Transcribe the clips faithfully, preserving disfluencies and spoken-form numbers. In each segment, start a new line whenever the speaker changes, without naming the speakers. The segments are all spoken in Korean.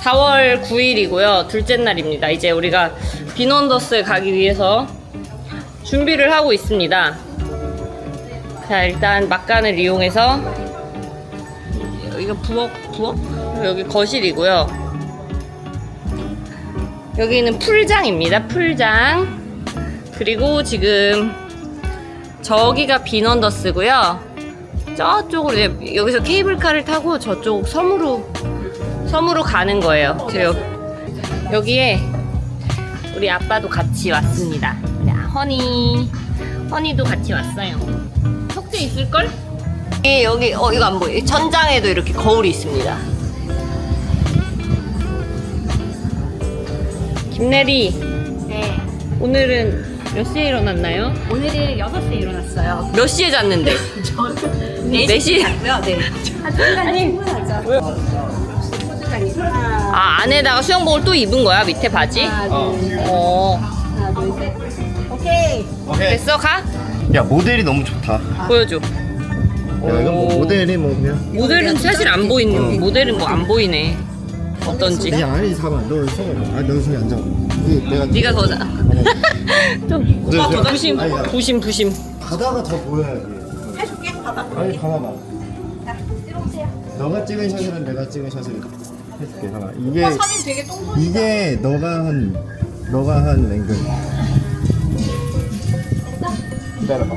사월 구일이고요. 둘째 날입니다. 이제 우리가 빈원더스에 가기 위해서 준비를 하고 있습니다. 자, 일단 막간을 이용해서 여기가 부엌, 부엌? 여기 거실이고요. 여기는 풀장입니다. 풀장. 그리고 지금 저기가 빈원더스고요. 저쪽으로 이제 여기서 케이블카를 타고 저쪽 섬으로 섬으로 가는 거예요. 저 여, 여기에 우리 아빠도 같이 왔습니다. 야, 허니, 허니도 같이 왔어요. 석재 있을걸? 예, 여기 어 이거 안 보여. 천장에도 이렇게 거울이 있습니다. 김내리.
네.
오늘은 몇 시에 일어났나요?
오늘은 여섯 시에 일어났어요.
몇 시에 잤는데?
저는
네 시?
잤고요. 네. 한 시간 충분하죠.
왜?
소주잔이 하나,
아, 안에다가 수영복을 또 입은 거야? 밑에 바지?
하나, 둘, 셋.
어.
하나, 둘, 셋. 오케이.
오케이.
됐어? 가?
야, 모델이 너무 좋다.
보여줘.
야, 이건 뭐
오.
모델이 뭐 그냥.
모델은 사실 안 보이는,
어.
모델은 뭐 안 보이네. 어떤지.
야, 아니, 잠깐만. 너 서. 아, 너 저기 앉아. 이 내가.
네가 더 자. 좀
너, 저-
부심,
아니, 야,
부심, 부심.
바다가 더 보여야지.
해줄게. 봐봐.
아니, 봐봐봐.
자, 들어오세요.
너가 찍은 샷이랑 내가 찍은 샷을 해줄게. 잠깐. 이게
오빠 사진 되게 똥손이다.
이게 너가 한 너가 한 앵글. 기다려봐.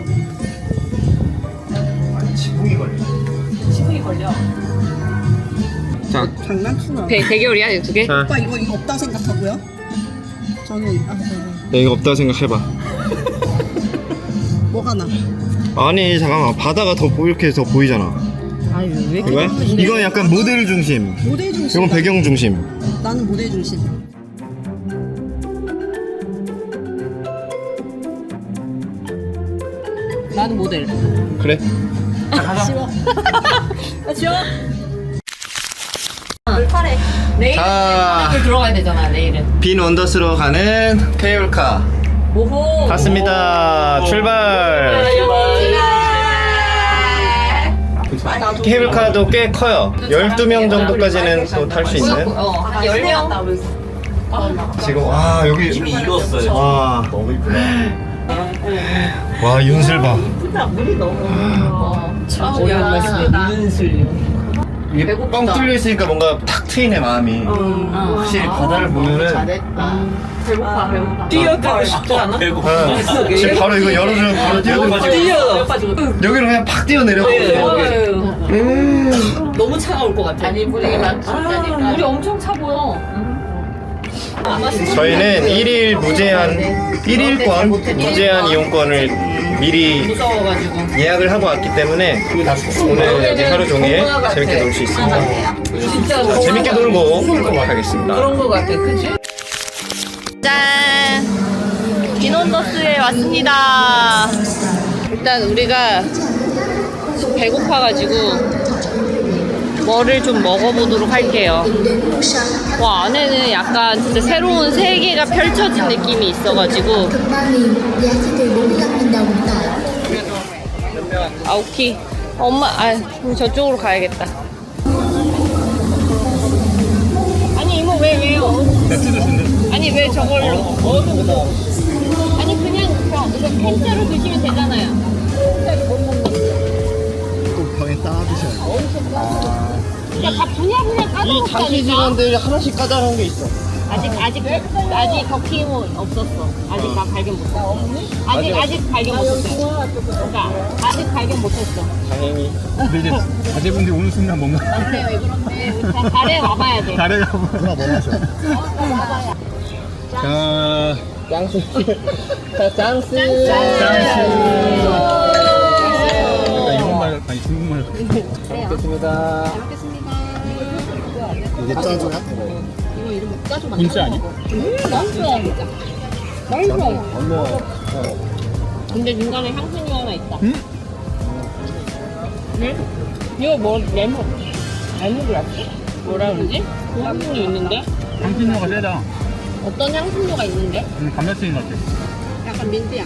아, 지붕이 걸려.
지붕이 걸려.
자,
장난치나.
대, 대결이야, 이 두 개?
자.
오빠 이거 이거 없다 생각하고요? 저는 아 저는
야, 이거 없다 생각해봐.
뭐가 나?
아니, 잠깐만. 바다가 더 보- 이렇게 더 보이잖아.
아유 왜
이거야? 이건 약간 모델 중심.
모델 중심.
이건 배경 중심.
나는 모델 중심.
나는 모델.
그래?
쉬워.
아, 지워.
물파래.
내일
자.
을 들어가야 되잖아, 내일은.
빈 원더스로 가는 케이블카
오호.
갔습니다. 출발. 케이블카도 꽤 커요. 열두 명 정도까지는 또 탈 수 있는.
어, 한 열 명?
지금 와, 여기 이미 익었어요. 와, 너무 이쁘다. 와, 윤슬 봐.
어, 오랜만에 윤슬.
이게 뻥 뚫려 있으니까 뭔가 탁 트이네, 마음이. 확실히 바다를 보면은
배고파, 배고파. 뛰어들고 싶지 않아?
어, 지금 바로 이거 열어주면 바로 뛰어들어가지고
뛰어.
여기로 그냥 팍 뛰어내려.
음. 너무 차가울 것 같아. 아니, 물이 많다니까. 물이 엄청 차 보여.
저희는 일 일 무제한 일 일권 무제한 이용권을 미리
무서워가지고.
예약을 하고 왔기 때문에 오늘 여기 하루 종일 재밌게 놀 수 있습니다.
진짜
재밌게 놀고 가겠습니다.
그런 거 같아, 그치? 짠! 빈원더스에 왔습니다. 일단 우리가 배고파가지고 뭐를 좀 먹어보도록 할게요. 와, 안에는 약간 진짜 새로운 세계가 펼쳐진 느낌이 있어가지고. 아오키. 엄마, 아, 그럼 저쪽으로 가야겠다. 아니, 이모, 왜, 왜요? 아니, 왜 저걸로? 아니, 그냥, 그냥 이거 통째로 드시면 되잖아요. 통째로 못 먹는
또 병에 따 드셔야
야, 다 분야분야
이
까다롭다니까.
자기 직원들 하나씩 까다로운 게 있어.
아직 아직 아직 버킹은 없었어. 아직 나 발견 못했어. 아직 아직 발견 못했어. 그러니까 아직 발견 못했어.
다행히.
근데 이제 자제분들이 오는 순간 뭔가
근데 왜 그런데 우리 다 달에 와봐야 돼.
다래가
누나 뭐 마셔?
자
짱수. 자, 짱수.
약간 일본말 아니 중국말
먹겠습니다. 이게 짜조야?
군자 아니야?
맛있어. 맛있어.
어머.
근데 중간에 향신료 하나 있다.
응?
응? 이거 뭐 레몬 레몬그라스? 뭐라 그러지? 그 향신료 있는데?
향신료가 세다.
어떤 향신료가 있는데?
음, 감자튀김 같아.
약간 민트향.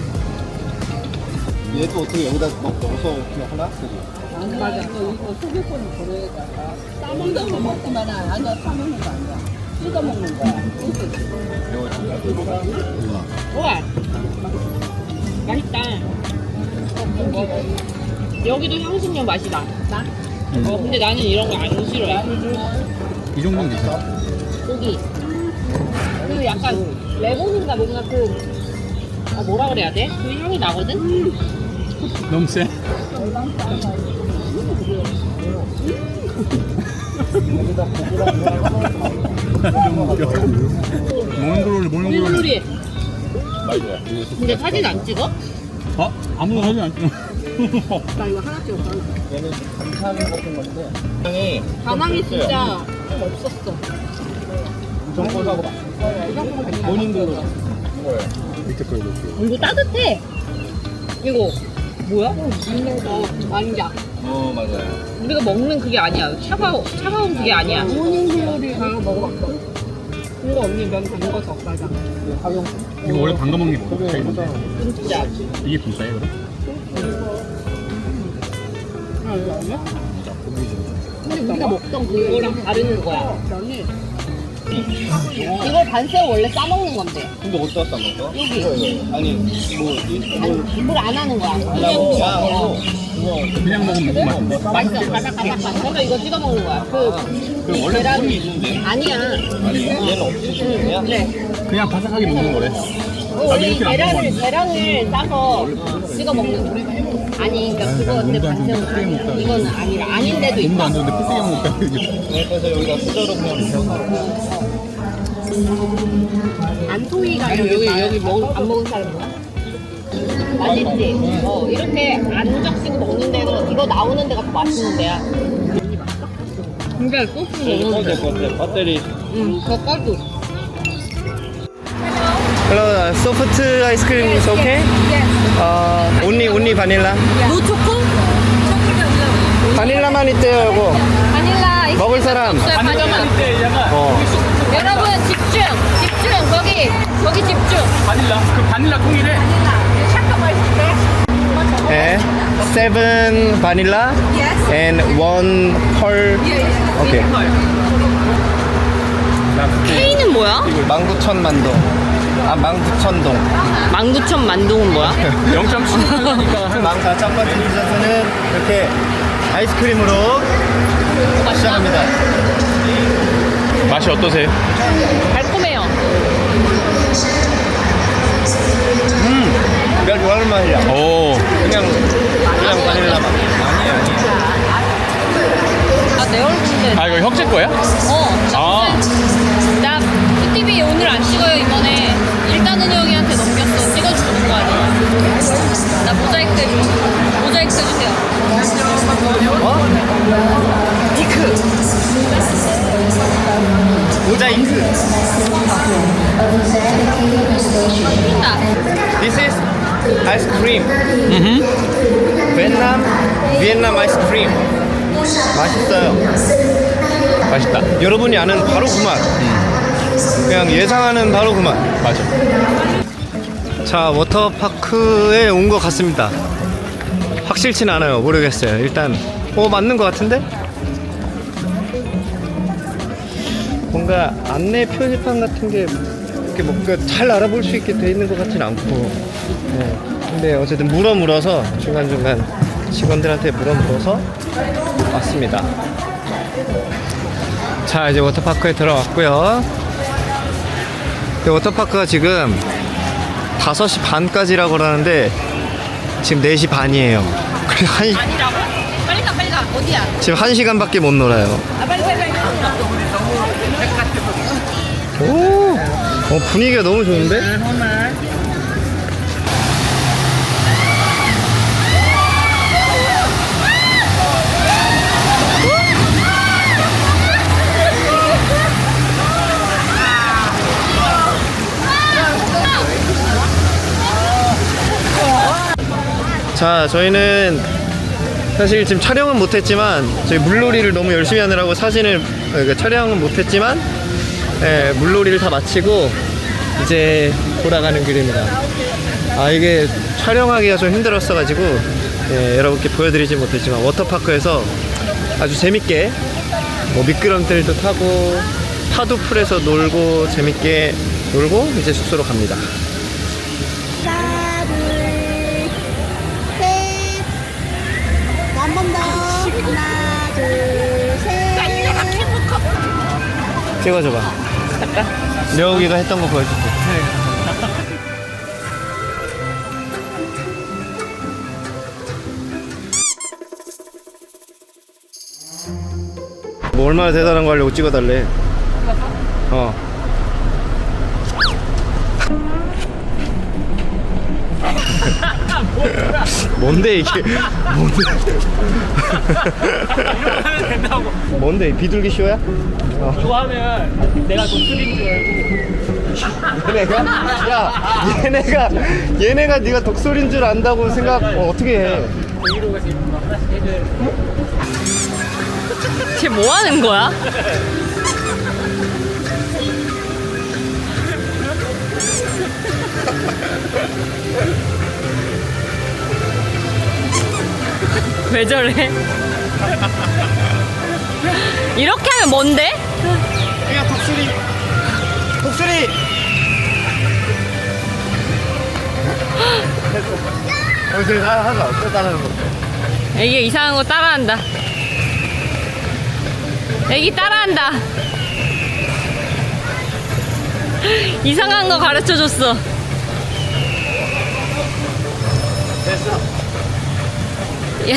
얘도 어떻게 여기다 막 넣어서 그냥 하나? 그지?
맞아. 이거 소개권을 걸어야겠다. 싸먹는 거 먹기만 안 하냐? 사먹는 거 아니야?
뜯어 먹는 거야. 우와. 맛있다. 여기도 향신료 맛이 나. 나? 어, 근데 나는 이런 거 안 싫어해.
이 정도는 괜찮아.
고기. 그 약간 레몬인가 뭔가 그 아, 뭐라 그래야 돼? 그 향이 나거든?
너무 세. 몽골 몽골.
물놀이.
맞아.
근데 사진 안 찍어?
어? 아무도 사진 안 찍어.
나 이거 하나 찍었어.
얘는 감탄 같은 건데 향이
반항이 진짜 좀 없었어.
정보사고 본인들로
밑에 거 이거.
이거 따뜻해. 이거 뭐야? 어, 왕자.
어 맞아요.
우리가 먹는 그게 아니야. 차가워, 차가운 그게 아니야. 모닝글로리 다 먹어봤거든. 이거 언니 면 담궈서 맞아.
이거 원래 담가 먹는 게 뭐야?
진짜.
이게 분짜예요, 그럼?
아, 이거 아니야? 근데 우리가 먹던 그거랑 다른 거야. 이걸 반새우 원래 싸먹는 건데.
근데 어디다 싸먹어?
여기.
아니 뭐 이- 뭐
물 안 하는 거야. 그냥
하려고 야
먹어.
그거
그냥 먹으면 너무 맛있는데?
맛있어. 바삭바삭. 그래서 이거 찍어 먹는 거야. 그
그 원래
계란-
소금이 있는데
아니야.
아니 얘는 없지 소금이야?
그래.
그냥 바삭하게 먹는 거래.
어, 원래 이 계란을 계란을 싸서 찍어 먹는 거야. 아니, 그러니까 그거 근데
몸도 안 좋은데
반새우
푸대기 먹다.
이거는 아니라 아닌데도
몸도
있다.
안 좋은데 푸대기 먹다.
네, 그래서 여기다 수저로 그냥 이렇게
안토이가 아니라 여기 여기 먹, 안 먹은 사람 뭐야? 맛있지? 어 이렇게 안 적시고 먹는 데는 이거 나오는 데가 더 맛있는 데야. 근데 소스
꺼도
먹는 데.
될것 같아. 배터리.
응, 더 까도.
Hello, soft ice cream is okay? Uh, only only vanilla.
노 초코?
바닐라만 있대요, 이거.
바닐라 이거
먹을 사람.
바닐라.
어.
여러분 집중, 집중 거기 거기 집중.
바닐라. 그 바닐라 통이래.
샤카 맛있대.
네. Seven vanilla and one pearl. 오케이.
K는 뭐야?
만구천 만동. 아, 만구천동.
만구천 만동은 뭐야?
영 점 칠이니까
자, 첫 번째 디저트는 이렇게 아이스크림으로 시작합니다.
맛이 어떠세요?
달콤해요.
내가 좋아하는 맛이야.
오.
그냥 그냥 바닐라 맛.
아, 내 얼굴인데.
아 이거 혁재 거야?
어.
아.
나 티비 오늘 안 찍어요, 이번에. 일단은 형이한테 넘겼어. 찍어주는 거 아니야. 나 모자이크 해줘. 모자이크 해주세요.
어? 이크. 모자이크.
나
This is ice cream. 베트남 비엔남 아이스크림. 맛있어요.
맛있다.
여러분이 아는 바로 그 맛. 그냥 예상하는 바로 그 맛.
맞아.
자, 워터파크에 온 것 같습니다. 확실치는 않아요. 모르겠어요. 일단 어 맞는 것 같은데? 뭔가 안내 표지판 같은 게 이렇게 뭔가 잘 알아볼 수 있게 돼 있는 것 같진 않고. 네. 근데 어쨌든 물어 물어서 중간중간 직원들한테 물어 물어서 왔습니다. 자, 이제 워터파크에 들어왔고요. 근데 워터파크가 지금 다섯 시 반까지라고 그러는데 지금 네 시 반이에요. 그래 한
아니라고? 빨리 가 빨리 가. 어디야?
지금 한 시간밖에 못 놀아요.
아 빨리 빨리 빨리.
오, 어, 분위기가 너무 좋은데? 자, 저희는 사실 지금 촬영은 못했지만 저희 물놀이를 너무 열심히 하느라고 사진을 그러니까 촬영은 못했지만 예, 물놀이를 다 마치고 이제 돌아가는 길입니다. 아, 이게 촬영하기가 좀 힘들었어가지고 예, 여러분께 보여드리지 못했지만 워터파크에서 아주 재밌게 뭐 미끄럼틀도 타고 파도풀에서 놀고 재밌게 놀고 이제 숙소로 갑니다.
하나, 둘, 셋. 한 번 더. 하나, 둘, 셋.
찍어줘봐. 여기가 했던 거 보여줄게. 뭐 얼마나 대단한 거 하려고 찍어달래. 어. 뭔데 이게? 뭔데?
하면 된다고.
뭔데 비둘기 쇼야? 어.
이거 하면 내가 독수리인 줄 알고.
얘네가? 야 얘네가 얘네가 네가 독소리인 줄 안다고 생각 어, 어떻게 해?
브이로그가 재밌구나. 하나씩 해줘야
쟤 뭐 하는 거야? 왜 저래? 이렇게 하면 뭔데?
얘가 독수리 독수리 독수리 하나 하나 또 따라하는 거.
애기 이상한 거 따라한다. 애기 따라한다. 이상한 거 가르쳐 줬어.
됐어.
야.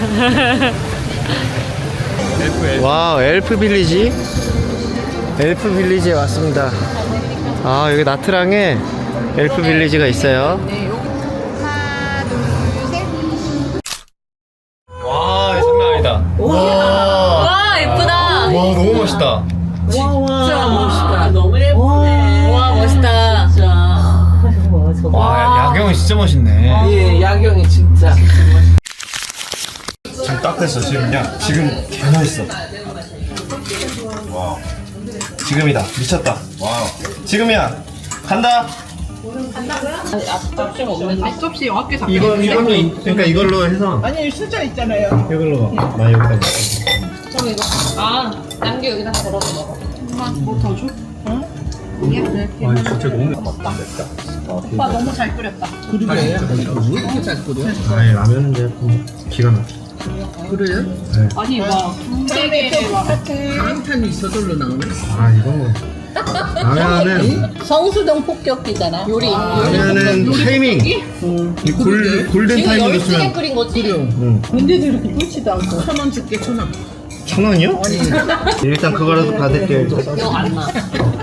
와 엘프 빌리지 엘프 빌리지에 왔습니다. 아 여기 나트랑에 엘프 빌리지가 있어요.
하나, 둘, 셋.
와 장난 아니다. 와,
와 예쁘다.
와 너무 멋있다.
진짜 멋있다. 너무 예쁘네. 와 멋있다.
와 야경이 진짜 멋있네.
예, 야경이 진짜.
지금 딱 됐어 지금이야. 지금 개 멋있어. 와 지금이다. 미쳤다. 와우 지금이야. 간다.
앞접시 어깨 잡.
이거 이걸로 그러니까 이걸로 해서
아니 수저 있잖아요.
이걸로 가. 나 여기다 놓을게.
아 남겨 여기다 걸어서 먹어.
뭐더 줘? 응?
아니 진짜 너무
오빠 너무 잘 끓였다. 그러게. 왜 이렇게 잘 끓여?
아니 라면은 이제 좀 기가 막혀.
그래요? 아니 막 두개에 막 강탄이 저절로 나오네.
아 이건 뭐 라면은
성수동 폭격기잖아. 요리.
라면은 타이밍. 이 골, 골든
지금
타이밍
열두 개
있으면
끓인 거지?
응.
근데도 이렇게 끓지도 않고. 천 원 줄게 천 원.
천 원이요? 일단 그거라도 받을게요.
이거 안 나.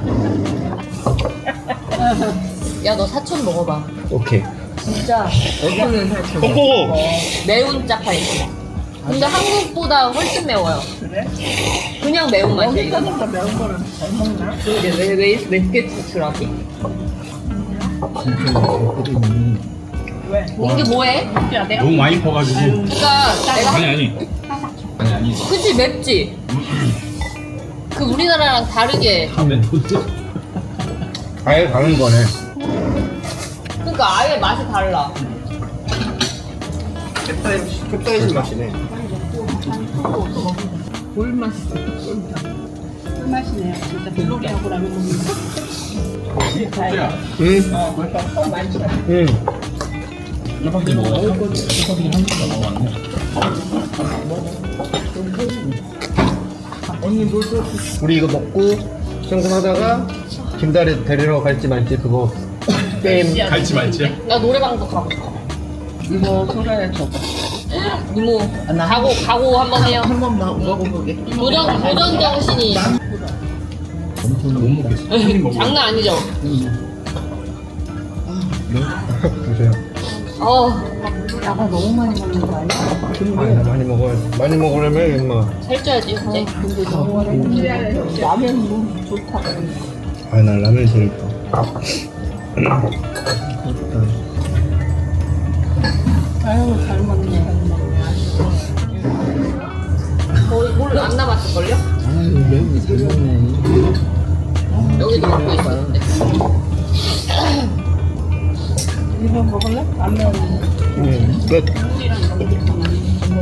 야 너 사천 먹어봐.
오케이.
진짜
어디는 살짝.
꼬꼬.
매운 짜파게티. 근데 한국보다 훨씬 매워요.
그래?
그냥 매운 맛이에요.
여기까지가 매운 거는 잘 먹나?
이게 왜왜 맵게 추출하지?
왜?
이게 뭐해?
야 내가
너무 많이 퍼가지고.
그러니까 내가
아니 아니. 아니 아니.
그치 맵지? 그 우리나라랑 다르게
아예 다른 거네.
그러니까 아예 맛이 달라.
캡사이신 맛이네.
꿀맛. 꿀맛이네요. 진짜 블로리하고 라면 먹는 거.
응. 응.
짜파게티 먹어. 짜파게티 한 개가 먹어봤네.
우리 이거 먹고 청소하다가 김다리 데리러 갈지 말지 그거 게임.
갈지 말지야.
나 노래방도 가고 싶어.
이거 소라에 줘봐.
이모 가고 가고 한번 해요.
한 번만 먹어보게.
도전 도전 정신이
엄청 못 먹겠어. 한입 먹어.
장난 아니죠?
보세요.
어
야가 너무 많이 먹는 거 아니야?
아니, 나 많이 먹어야 많이 먹으려면 임마.
살쪄야지 이제.
라면 너무 좋다.
아, 나 라면 제일 좋아.
아유 잘 먹네.
거의 뭘안 남았을걸요?
아유 매운이 잘 먹네.
여기도 먹고 있었는데.
이거 먹을래? 라면.
응, 끝.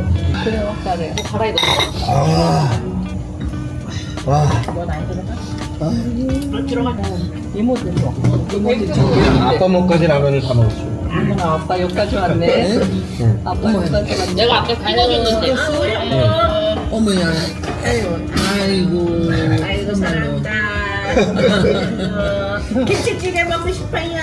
그래요, 잘해.
뭐 갈아입었어?
아, 와,
넌안 들어가?
아빠 먹까지 라면을 다 먹었어.
아빠 여기까지 왔네. 아빠 여기까지 왔네.
내가 아까 찍어줬는데.
어머야. 아이고. 아이고 말로. 김치찌개 먹고 싶어요.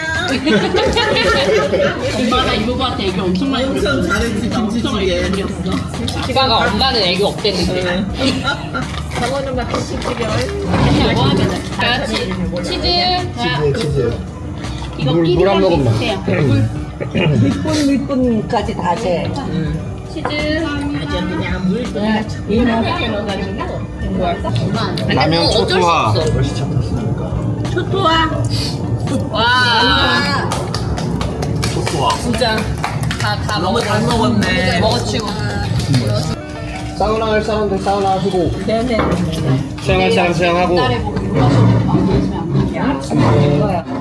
엄마가 이모한테 애교 엄청 많이 부렸어.
엄청 잘했지 김치찌개.
지가가 엄마는 애교 없댔는데.
정원은 막 김치찌개.
뭐 하면 자, 치, 치즈. 자,
치즈 치즈.
이거
물-
끼리
물한
걸로
모금만.
있으세요.
밑분 밑분까지 다 재.
치즈.
아주 그냥 물 그냥 이만하게 넣어가지고.
라면 초토화.
초토화.
와.
초토화.
진짜 다, 다
너무 잘
먹었어.
먹었네.
먹어치고.
사우나 할 사람들 사우나 하시고
네네.
수영할 사람 수영하고.
옛날에 뭐 이거 하셔도 안 되시면 안 돼요.
이거야.